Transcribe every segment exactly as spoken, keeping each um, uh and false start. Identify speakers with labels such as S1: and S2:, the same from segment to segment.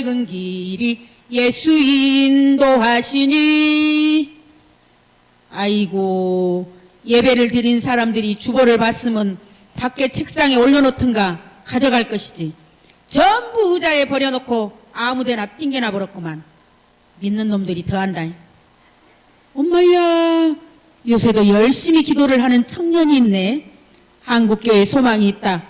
S1: 밝은 길이 예수 인도하시니. 아이고, 예배를 드린 사람들이 주보를 봤으면 밖에 책상에 올려놓든가 가져갈 것이지. 전부 의자에 버려놓고 아무데나 띵겨나 버렸구만. 믿는 놈들이 더한다. 엄마야, 요새도 열심히 기도를 하는 청년이 있네. 한국교회에 소망이 있다.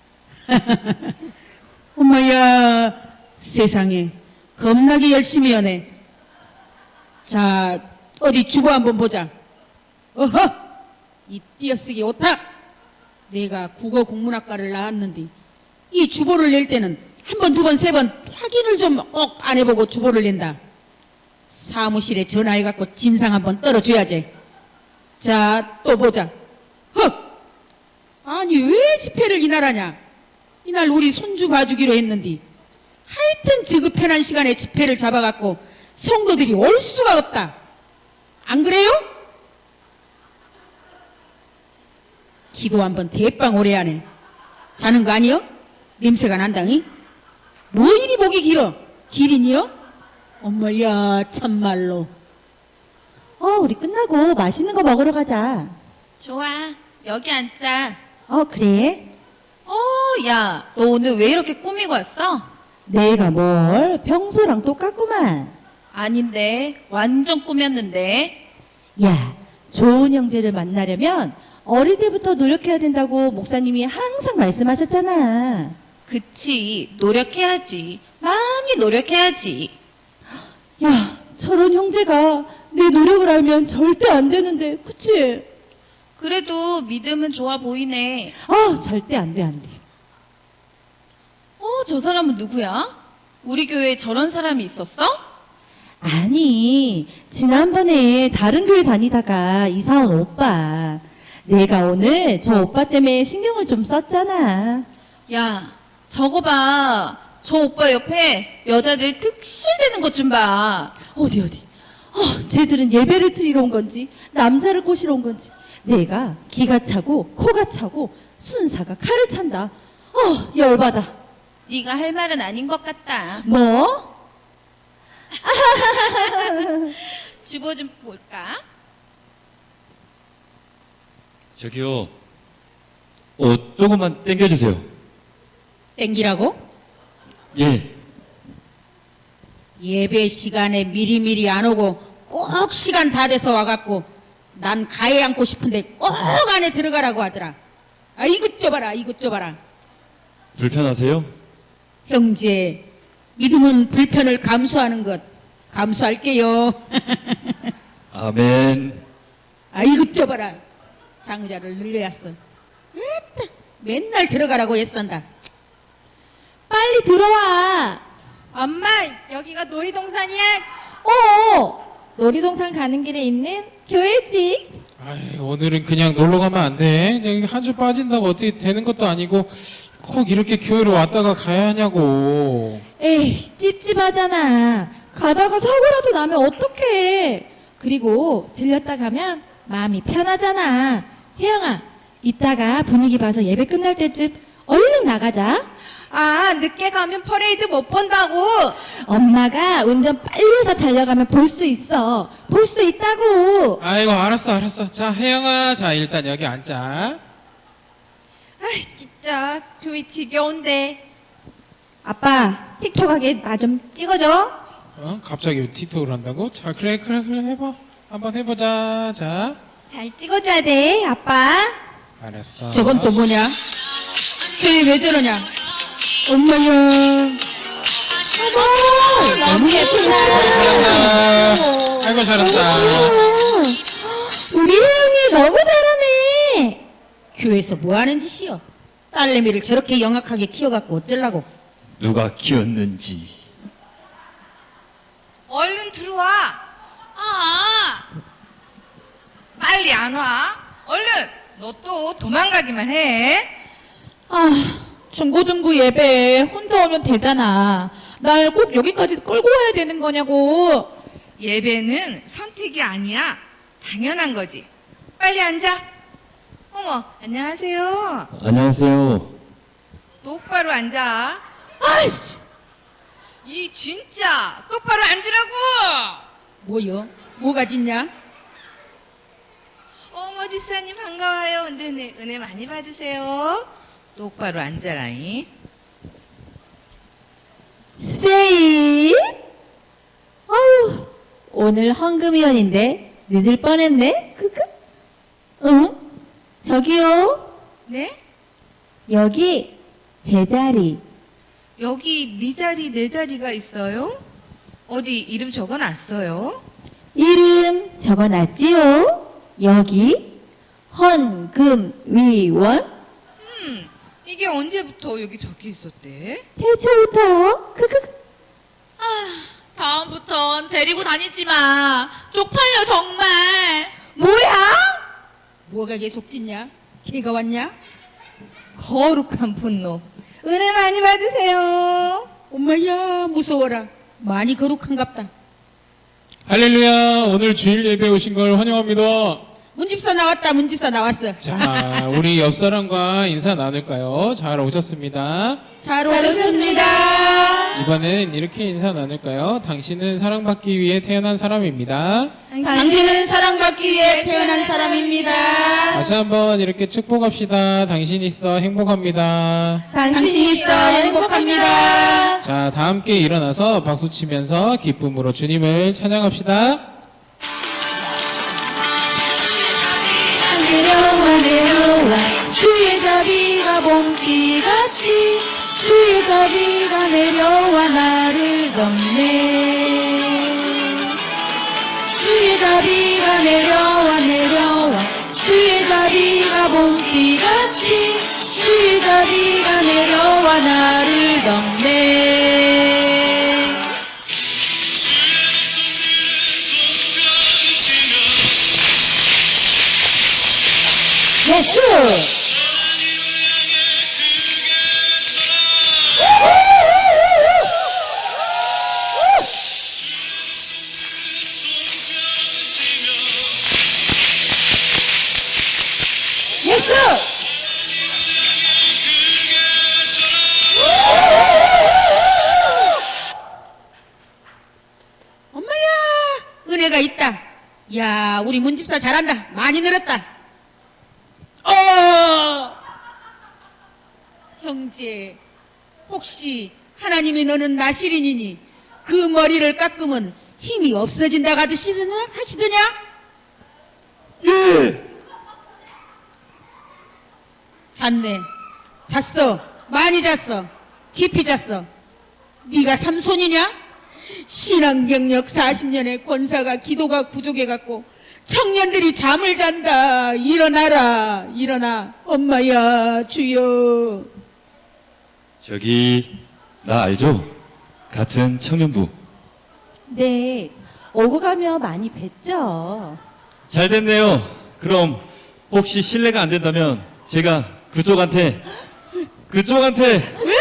S1: 엄마야, 세상에 겁나게 열심히 하네. 자, 어디 주보 한번 보자. 어허, 이 띄어쓰기 오타. 내가 국어 국문학과를 나왔는데 이 주보를 낼 때는 한 번, 두 번, 세 번 확인을 좀 꼭 안 해보고 주보를 낸다. 사무실에 전화해갖고 진상 한번 떨어줘야지. 자, 또 보자. 헉! 아니 왜 집회를 이날 하냐. 이날 우리 손주 봐주기로 했는데 하여튼 지급편한 시간에 집회를 잡아갖고 성도들이 올 수가 없다. 안 그래요? 기도 한번 대빵 오래 하네. 자는 거 아니요? 냄새가 난다니? 뭐 이리 목이 길어? 기린이요? 엄마야, 참말로.
S2: 어, 우리 끝나고 맛있는 거 먹으러 가자.
S3: 좋아, 여기 앉자.
S2: 어, 그래?
S3: 어, 야, 너 오늘 왜 이렇게 꾸미고 왔어?
S2: 내가 뭘 평소랑 똑같구만.
S3: 아닌데, 완전 꾸몄는데.
S2: 야, 좋은 형제를 만나려면 어릴 때부터 노력해야 된다고 목사님이 항상 말씀하셨잖아.
S3: 그치, 노력해야지. 많이 노력해야지.
S2: 야, 저런 형제가 내 노력을 알면 절대 안 되는데, 그치?
S3: 그래도 믿음은 좋아 보이네.
S2: 아, 절대 안 돼, 안 돼.
S3: 어, 저 사람은 누구야? 우리 교회에 저런 사람이 있었어?
S2: 아니, 지난번에 다른 교회 다니다가 이사 온 오빠. 내가 오늘 저 오빠 때문에 신경을 좀 썼잖아.
S3: 야, 저거 봐. 저 오빠 옆에 여자들 득실대는 것 좀 봐.
S2: 어디, 어디. 어, 쟤들은 예배를 드리러 온 건지, 남자를 꼬시러 온 건지. 내가 기가 차고, 코가 차고, 순사가 칼을 찬다. 어, 열받아.
S3: 네가 할 말은 아닌 것 같다.
S2: 뭐?
S3: 주보 좀 볼까?
S4: 저기요, 어, 조금만 땡겨주세요.
S1: 땡기라고?
S4: 예.
S1: 예배 시간에 미리미리 안 오고 꼭 시간 다 돼서 와갖고 난 가해 앉고 싶은데 꼭 안에 들어가라고 하더라. 아, 이것 줘봐라, 이것 줘봐라.
S4: 불편하세요?
S1: 형제, 믿음은 불편을 감수하는 것 감수할게요.
S4: 아멘.
S1: 아, 이것 줘봐라. 장자를 늘려놨어. 에따, 맨날 들어가라고 애쓴다.
S2: 빨리 들어와.
S5: 엄마, 여기가 놀이동산이야?
S2: 어, 놀이동산 가는 길에 있는 교회지.
S6: 아이, 오늘은 그냥 놀러 가면 안 돼. 여기 한 주 빠진다고 어떻게 되는 것도 아니고 꼭 이렇게 교회로 왔다가 가야 하냐고.
S2: 에이, 찝찝하잖아. 가다가 사고라도 나면 어떡해. 그리고 들렸다 가면 마음이 편하잖아. 혜영아, 이따가 분위기 봐서 예배 끝날 때쯤 얼른 나가자.
S5: 아, 늦게 가면 퍼레이드 못 본다고.
S2: 엄마가 운전 빨리 해서 달려가면 볼 수 있어. 볼 수 있다고.
S6: 아이고, 알았어, 알았어. 자, 혜영아, 자, 일단 여기 앉자.
S5: 아이, 진짜 교회 지겨운데. 아빠, 틱톡하게 나 좀 찍어줘.
S6: 어? 갑자기 왜 틱톡을 한다고? 자, 그래, 그래, 그래, 해봐. 한번 해보자. 자,
S5: 잘 찍어줘야 돼, 아빠.
S6: 알았어.
S1: 저건 또 뭐냐? 쟤 왜 저러냐? 엄마야.
S2: 어머, 너무 예쁘다.
S6: 잘한다. 아이고, 잘한다.
S2: 우리 혜영이 너무 잘하네.
S1: 교회에서 뭐 하는 짓이여? 딸내미를 저렇게 영악하게 키워갖고 어쩌려고?
S4: 누가 키웠는지.
S5: 얼른 들어와. 아, 빨리 안 와. 얼른. 너 또 도망가기만 해.
S7: 아, 중고등부 예배에 혼자 오면 되잖아. 날 꼭 여기까지 끌고 와야 되는 거냐고.
S5: 예배는 선택이 아니야. 당연한 거지. 빨리 앉아. 어머, 안녕하세요.
S4: 안녕하세요.
S5: 똑바로 앉아.
S7: 아이씨,
S5: 이 진짜 똑바로 앉으라고.
S1: 뭐요? 뭐가 짖냐?
S5: 어머 집사님 반가워요. 은혜, 은혜, 은혜 많이 받으세요. 똑바로 앉아라잉.
S2: 세이? 어휴, 오늘 헌금위원인데 늦을 뻔했네. 크크. 응? 저기요.
S5: 네?
S2: 여기 제 자리.
S5: 여기 네 자리 내 자리가 있어요? 어디 이름 적어놨어요?
S2: 이름 적어놨지요? 여기 헌금위원.
S5: 음, 이게 언제부터 여기 적혀 있었대?
S2: 태초부터요. 크크.
S7: 다음부턴 데리고 다니지 마. 쪽팔려 정말.
S5: 뭐야?
S1: 뭐가 계속 짖냐? 개가 왔냐?
S5: 거룩한 분노. 은혜 많이 받으세요.
S1: 엄마야 무서워라. 많이 거룩한갑다.
S6: 할렐루야. 오늘 주일 예배 오신 걸 환영합니다.
S1: 문집사 나왔다. 문집사 나왔어.
S6: 자, 우리 옆 사람과 인사 나눌까요? 잘 오셨습니다.
S1: 잘 오셨습니다.
S6: 이번엔 이렇게 인사 나눌까요? 당신은 사랑받기 위해 태어난 사람입니다.
S1: 당신은 사랑받기 위해 태어난 사람입니다.
S6: 다시 한번 이렇게 축복합시다. 당신 있어 행복합니다.
S1: 당신 있어 행복합니다.
S6: 자, 다 함께 일어나서 박수 치면서 기쁨으로 주님을 찬양합시다.
S2: 내려와 내려와 주의 자비가 봄비같이 주의 자비가 내려와 나를 덮네. 주의 자비가 내려와 내려와 주의 자비가 봄비같이 주의 자비가 내려와 나를 덮네. 예수! 예수!
S1: 엄마야 은혜가 있다. 야 우리 문집사 잘한다. 많이 늘었다. 어 형제 혹시 하나님이 너는 나시린이니 그 머리를 깎으면 힘이 없어진다 하시더냐? 하시더냐?
S4: 예.
S1: 잤네. 잤어. 많이 잤어. 깊이 잤어. 네가 삼손이냐? 신앙 경력 사십 년의 권사가 기도가 부족해갖고 청년들이 잠을 잔다. 일어나라. 일어나. 엄마야 주여.
S4: 저기 나 알죠? 같은 청년부.
S8: 네, 오고 가며 많이 뵀죠.
S4: 잘 됐네요. 그럼 혹시 실례가 안 된다면 제가 그쪽한테 그쪽한테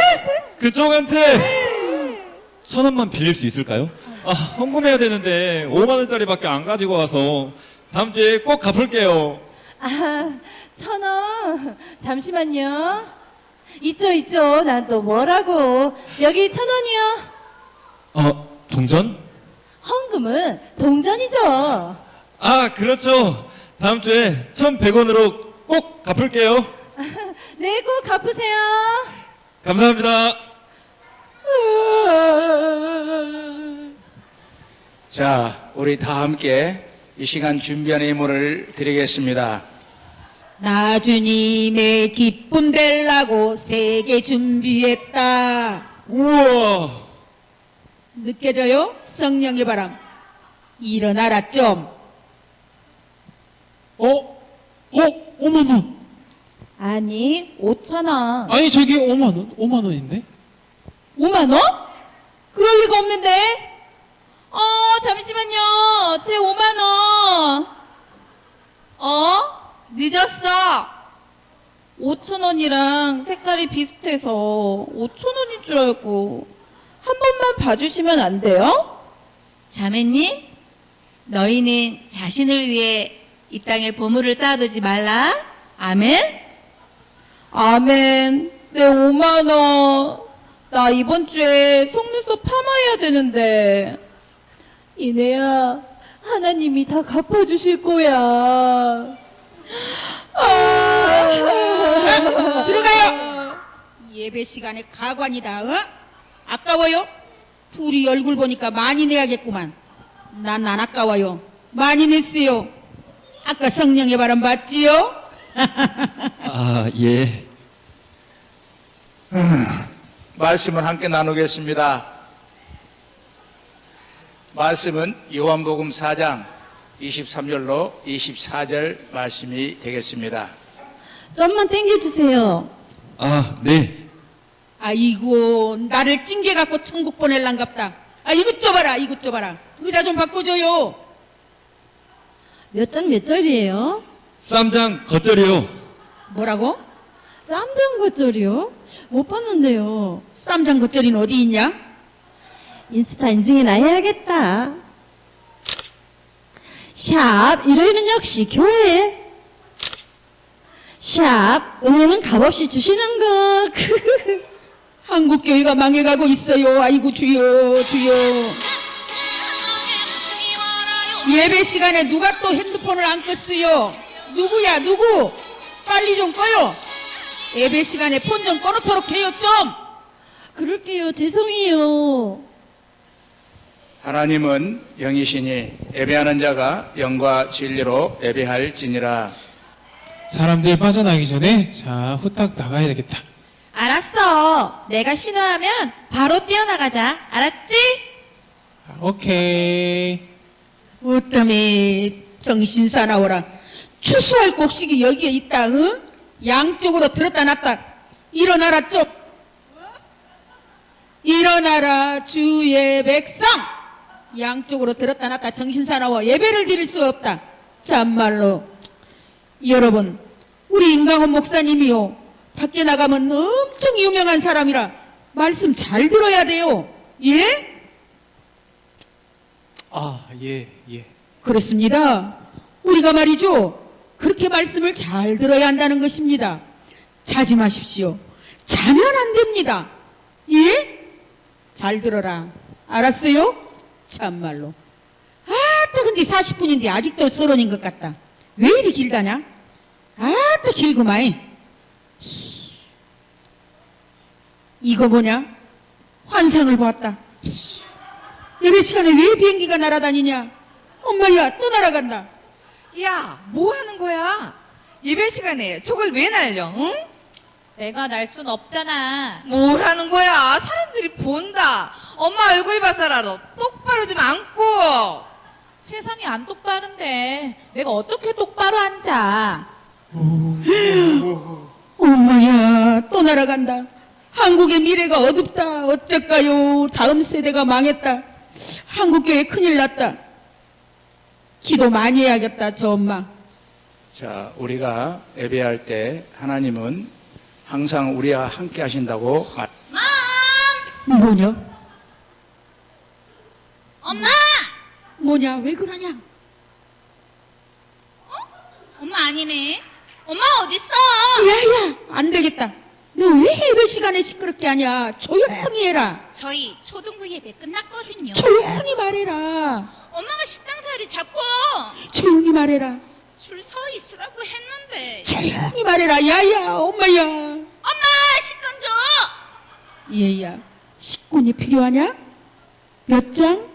S4: 그쪽한테 천 원만 빌릴 수 있을까요? 아, 헌금해야 되는데 오만 원짜리밖에 안 가지고 와서 다음 주에 꼭 갚을게요.
S8: 아, 천 원. 잠시만요. 있죠, 있죠. 난 또 뭐라고. 여기 천 원이요.
S4: 어, 동전?
S8: 헌금은 동전이죠.
S4: 아, 그렇죠. 다음 주에 천백 원으로 꼭 갚을게요.
S8: 네, 꼭 갚으세요.
S4: 감사합니다.
S9: 자, 우리 다 함께 이 시간 준비한 예물을 드리겠습니다.
S1: 나 주님의 기쁨 될라고 세게 준비했다.
S4: 우와.
S1: 느껴져요? 성령의 바람. 일어나라 좀.
S6: 어? 어? 오만 원.
S8: 아니, 오천 원.
S6: 아니, 저기 오만 원. 오만 원인데?
S2: 오만 원? 그럴 리가 없는데. 어, 잠시만요. 제 오만 원.
S3: 어? 늦었어.
S2: 오천 원이랑 색깔이 비슷해서 오천 원인 줄 알고 한 번만 봐주시면 안 돼요?
S3: 자매님, 너희는 자신을 위해 이 땅에 보물을 쌓아두지 말라. 아멘.
S2: 아멘. 내 오만 원.
S3: 나 이번 주에 속눈썹 파마해야 되는데.
S8: 이내야, 하나님이 다 갚아주실 거야.
S1: 아, 들어가요. 예배 시간에 가관이다. 어? 아까워요? 둘이 얼굴 보니까 많이 내야겠구만. 난 안 아까워요. 많이 냈어요. 아까 성령의 바람 봤지요?
S4: 아, 예.
S9: 말씀을 함께 나누겠습니다. 말씀은 요한복음 사 장 이십삼 절로 이십사 절 말씀이 되겠습니다.
S8: 좀만 땡겨주세요.
S4: 아, 네.
S1: 아이고, 나를 찡겨갖고 천국 보낼란갑다. 아, 이것 줘봐라, 이것 줘봐라. 의자 좀 바꿔줘요.
S8: 몇 장 몇 절이에요?
S4: 쌈장 겉절이요.
S1: 뭐라고?
S8: 쌈장 겉절이요? 못 봤는데요.
S1: 쌈장 겉절이는 어디 있냐?
S8: 인스타 인증이나 해야겠다. 샵, 일요일은 역시 교회. 샵, 은혜는 값없이 주시는 것.
S1: 한국 교회가 망해가고 있어요. 아이고 주여 주여. 예배 시간에 누가 또 핸드폰을 안 껐어요? 누구야 누구? 빨리 좀 꺼요. 예배 시간에 폰 좀 꺼놓도록 해요 좀.
S8: 그럴게요. 죄송해요.
S9: 하나님은 영이시니 예배하는 자가 영과 진리로 예배할지니라.
S6: 사람들 빠져나기 전에 자 후딱 나가야 되겠다.
S2: 알았어. 내가 신호하면 바로 뛰어나가자. 알았지?
S6: 아, 오케이.
S1: 어땀에 정신 사나워라. 추수할 곡식이 여기에 있다. 응? 양쪽으로 들었다 놨다. 일어나라 쪽. 일어나라 주의 백성. 양쪽으로 들었다 놨다 정신 사나워. 예배를 드릴 수가 없다. 참말로 여러분, 우리 임강원 목사님이요, 밖에 나가면 엄청 유명한 사람이라 말씀 잘 들어야 돼요. 예?
S6: 아, 예, 예.
S1: 그렇습니다. 우리가 말이죠, 그렇게 말씀을 잘 들어야 한다는 것입니다. 자지 마십시오. 자면 안 됩니다. 예? 잘 들어라. 알았어요? 참말로. 아따, 근데 사십 분인데 아직도 서론인 것 같다. 왜 이리 길다냐? 아따, 길구마이. 이거 뭐냐? 환상을 보았다. 예배 시간에 왜 비행기가 날아다니냐? 엄마야, 또 날아간다.
S5: 야, 뭐 하는 거야? 예배 시간에 저걸 왜 날려, 응?
S7: 내가 날 순 없잖아.
S5: 뭘 하는 거야? 사람들이 본다. 엄마 얼굴 봐서라도 똑바로 좀 앉고.
S7: 세상이 안 똑바른데 내가 어떻게 똑바로 앉아?
S1: 엄마야, 또 날아간다. 한국의 미래가 어둡다. 어쩔까요? 다음 세대가 망했다. 한국교회 큰일 났다. 기도 많이 해야겠다, 저 엄마.
S9: 자, 우리가 예배할 때 하나님은 항상 우리와 함께 하신다고 말.
S1: 뭐냐?
S3: 엄마!
S1: 뭐냐? 왜 그러냐?
S3: 엄마 아니네. 엄마 어딨어?
S1: 야야, 안 되겠다. 너 왜 예배 시간에 시끄럽게 하냐? 조용히 해라.
S3: 저희 초등부 예배 끝났거든요.
S1: 조용히 말해라.
S3: 엄마가 식당 자리 잡고
S1: 조용히 말해라.
S3: 줄 서 있으라고 했는데.
S1: 조용히 말해라. 야야, 엄마야.
S3: 엄마 식권 줘.
S1: 얘야, 식권이 필요하냐? 몇 장?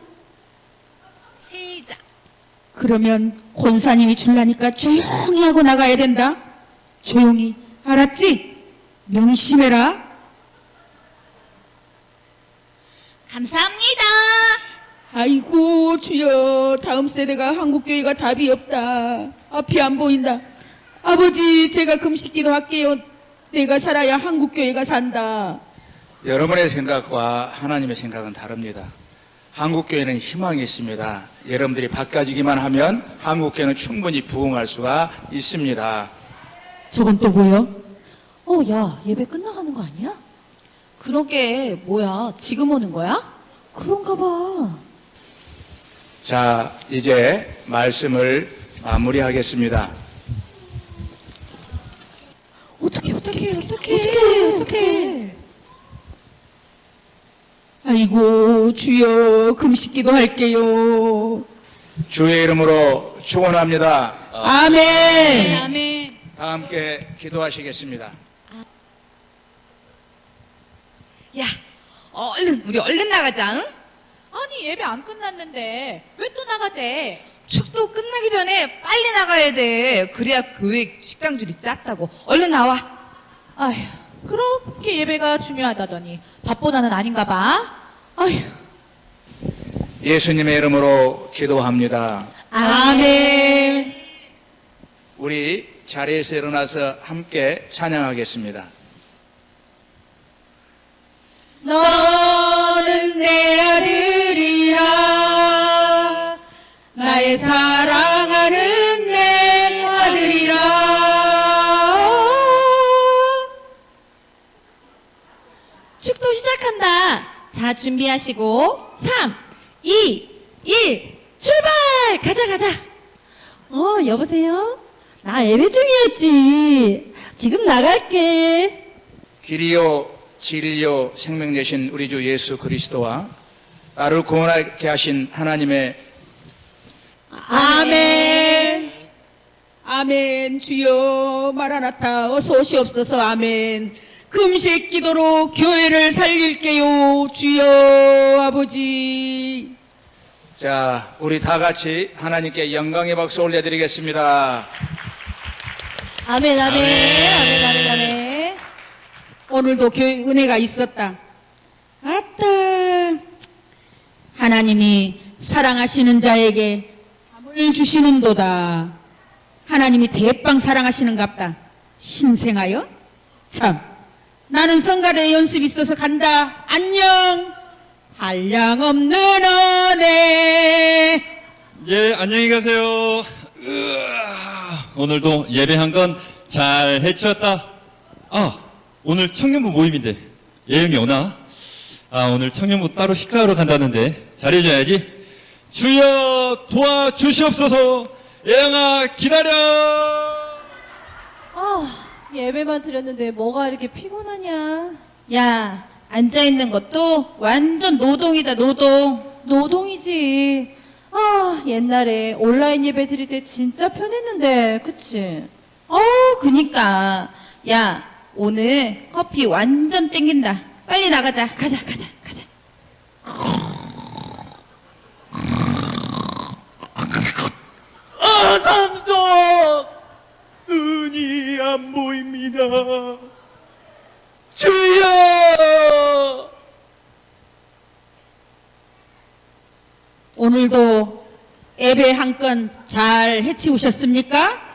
S3: 세 장.
S1: 그러면 권사님이 줄라니까 조용히 하고 나가야 된다. 조용히. 알았지? 명심해라.
S3: 감사합니다.
S1: 아이고 주여, 다음 세대가 한국교회가 답이 없다. 앞이 안 보인다. 아버지, 제가 금식기도 할게요. 내가 살아야 한국교회가 산다.
S9: 여러분의 생각과 하나님의 생각은 다릅니다. 한국교회는 희망이 있습니다. 여러분들이 바꿔지기만 하면 한국교회는 충분히 부흥할 수가 있습니다.
S1: 저건 또 뭐요?
S8: 어, 야, 예배 끝나가는 거 아니야?
S3: 그러게 뭐야? 지금 오는 거야?
S8: 그런가 봐.
S9: 자, 이제 말씀을 마무리하겠습니다.
S8: 어떻게, 어떻게, 어떻게,
S2: 어떡해, 어떡해.
S1: 아이고 주여 금식기도 할게요.
S9: 주의 이름으로 축원합니다.
S1: 아멘.
S5: 아멘.
S9: 다 함께 기도하시겠습니다.
S5: 야, 얼른 우리 얼른 나가자. 응?
S7: 아니 예배 안 끝났는데 왜 또 나가재?
S5: 축도 끝나기 전에 빨리 나가야 돼. 그래야 교회 식당줄이 짰다고. 얼른 나와.
S7: 아휴, 그렇게 예배가 중요하다더니 밥보다는 아닌가 봐. 아휴.
S9: 예수님의 이름으로 기도합니다.
S1: 아멘.
S9: 우리 자리에서 일어나서 함께 찬양하겠습니다.
S1: 너는 내 아들이라 나의 사랑하는 내 아들이라.
S2: 축도 시작한다. 자, 준비하시고 삼, 이, 일 출발! 가자 가자.
S8: 어, 여보세요? 나 예배 중이었지. 지금 나갈게.
S9: 길이요 진리요 생명 되신 우리 주 예수 그리스도와 나를 구원하게 하신 하나님의
S1: 아멘. 아멘. 주여 마라나타 어서 오시옵소서. 아멘. 금식 기도로 교회를 살릴게요. 주여 아버지.
S9: 자, 우리 다 같이 하나님께 영광의 박수 올려드리겠습니다.
S8: 아멘, 아멘, 아멘, 아멘, 아멘.
S1: 오늘도 교회 은혜가 있었다. 아따. 하나님이 사랑하시는 자에게 잠을 주시는도다. 하나님이 대빵 사랑하시는갑다. 신생하여? 참. 나는 성가대 연습 있어서 간다. 안녕. 한량없는 은혜.
S4: 예, 안녕히 가세요. 으아, 오늘도 예배한 건 잘 해치웠다. 아, 오늘 청년부 모임인데 예영이 오나? 아, 오늘 청년부 따로 식사하러 간다는데 잘해줘야지. 주여 도와주시옵소서. 예영아 기다려.
S8: 아, 예배만 드렸는데 뭐가 이렇게 피곤하냐.
S3: 야, 앉아있는 것도 완전 노동이다, 노동.
S8: 노동이지. 아, 옛날에 온라인 예배 드릴 때 진짜 편했는데, 그치?
S3: 어, 그니까. 야, 오늘 커피 완전 땡긴다. 빨리 나가자. 가자, 가자, 가자.
S4: 아, 삼성! 눈이 안 보입니다. 주여!
S1: 오늘도 예배 한 건 잘 해치우셨습니까?